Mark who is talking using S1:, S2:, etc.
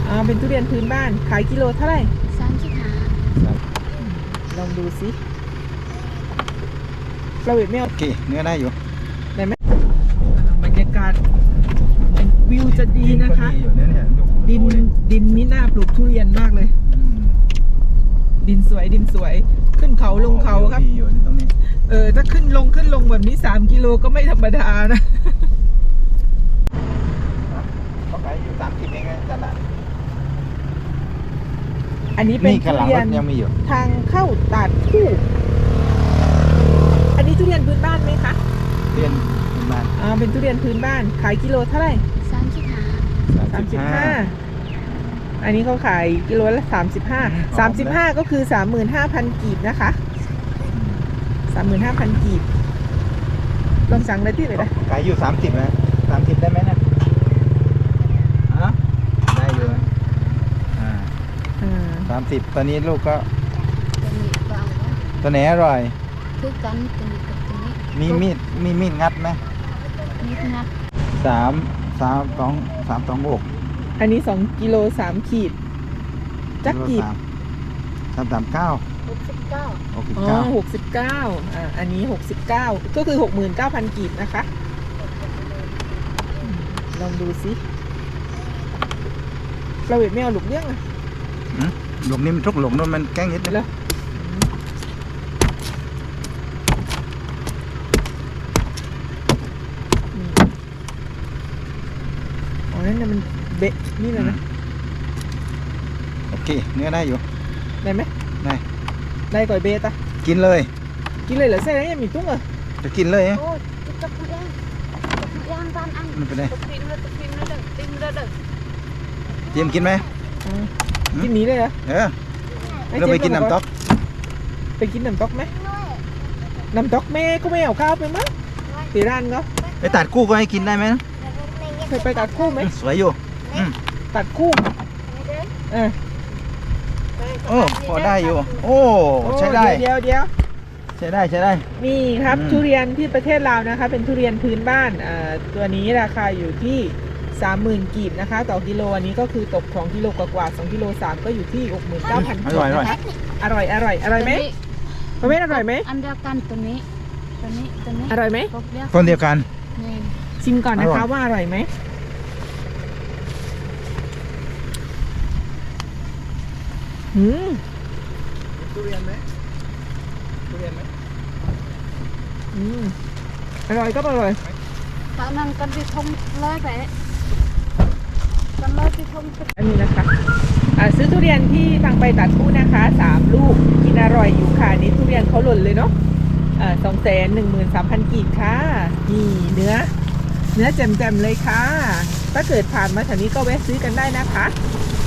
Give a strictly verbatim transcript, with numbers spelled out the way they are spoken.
S1: อ๋อเป็นทุเรียนพื้นบ้านขายกิโลเท่าไหร่
S2: สามสิบห้า
S1: ลองดูสิเราเห็นไม่เอา
S3: โอเคเนื้อได้อยู่
S1: ได้ไหมบรรยากาศวิวจะดีนะคะ ดินดินมิน่าปลูกทุเรียนมากเลยดินสวยดินสวยขึ้นเขาลงเขาครับเออถ้าขึ้นลงขึ้นลงแบบนี้สามกิโลก็ไม่ธรรมดานะ
S3: เขาขายอยู่สามสิบเองตลาด
S1: อันนี้เป็นทุเรียนทางเข้าตาดคู่อันนี้ทุเรียนพื้นบ้านไหมคะ
S3: ทุเรียนพื้นบ้าน
S1: อ่าเป็นทุเรียนพื้นบ้านขายกิโลเท่าไหร่
S2: สามสิบห้า
S1: สามสิบห้าอันนี้เขาขายกิโลละสามสิบห้าสามสิบห้าก็คือสามหมื่นห้าพันกีบนะคะสามหมื่นห้าพันกีบลองสั่งได้ที่เลยนะ
S3: ขายอยู่สามสิบนะสามสิบได้ไหมนะฮะได้อยู่อ่าสามสิบตอนนี้ลูกก็
S2: ตัวนี้เบา
S3: ตัวไหนอร่อย
S2: คือกันตัวนี้กับตัวนี้
S3: มีมีดมีมีดงัดไหม
S2: มีดงัด
S3: สามสามสองสามสองหก
S1: อันนี้สองกิโลสามขีดจักกีบ
S3: สามสามเก้า
S2: หกสิบเก้า
S3: หกสิบ
S1: อ๋อ
S3: เก้า
S1: หกสิบเก้าอ่าอันนี้หกสิบเก้าก็คือหกหมื่นเก้าพันกีบนะคะลองดูสิเราเห็นไม่เอาหลุกเลี้ยงอ่ะ
S3: หลุมนี้มันทุกหลุมนู้นมันแกล้งนิดเลย
S1: อ๋อนั่นน่ะมันเบะนี่เลยนะ
S3: โอเคเนื้อได้อยู่
S1: ได้ไหม
S3: ได้
S1: ได้ก่อยเบะตะ
S3: กินเลย
S1: กินเลยเหรอใช่ไหมยังมีตุ้งเหรอ
S3: จะกินเลย
S2: โอ้จะพูดเองจะพูดเองบ้านอัน
S3: มันเป็นไง
S2: ตะพิมเลยตะพิมเลยเด้อติ้งเลยเด้อ
S3: เจียมกินไหม
S1: กินนี้เลยเหรอ
S3: เออเราไปกินน้ำต๊อก
S1: ไปกินน้ำต๊อกไหมน้ำต๊อกแม่ก็ไม่เอาข้าวไปมั้งตีร้านก็
S3: ไปตัดคู่ก็ให้กินได้ไหม
S1: เคยไปตัดคู่ไหม
S3: สวยอยู่
S1: ตัดคู่เออ
S3: โอ้พอได้อยู่โอ้ใช้ได้
S1: เดียวเดียว
S3: ใช้ได้ใช้ได้
S1: นี่ครับทุเรียนที่ประเทศลาวนะคะเป็นทุเรียนพื้นบ้านอ่าตัวนี้ราคาอยู่ที่สามหมื่นกีบนะคะต่อกิโลอันนี้ก็คือตกสองกิโลกว่าๆสองกิโลสามก็อยู่ที่หกหมื่นเก้าพันกีบนะคะอร่อยอร่อยอร่อยไหมประเภทอร่อยไหม
S2: อันเดียวกันตัวนี้ตัวนี้ตัวนี้
S1: อร่อยไหม
S3: คนเดียวกัน
S1: ชิมก่อนนะคะว่าอร่อยไหมหืม
S3: ทุเรียนไหมทุเรียนไหม
S1: อืมอร่อยก็อร่อย
S2: ตอนนั้นกันที่ทงเลยไปกันเลยที่ทง
S1: อันนี้นะคะซื้อทุเรียนที่ทางไปตัดคู่นะคะสามลูกกินอร่อยอยู่ค่ะนี่ทุเรียนเขาหล่นเลยเนาะสองแสนหนึ่งหมื่นสามพันกีบค่ะนี่เนื้อเนื้อแจ่มๆเลยค่ะถ้าเกิดผ่านมาแถวนี้ก็แวะซื้อกันได้นะคะ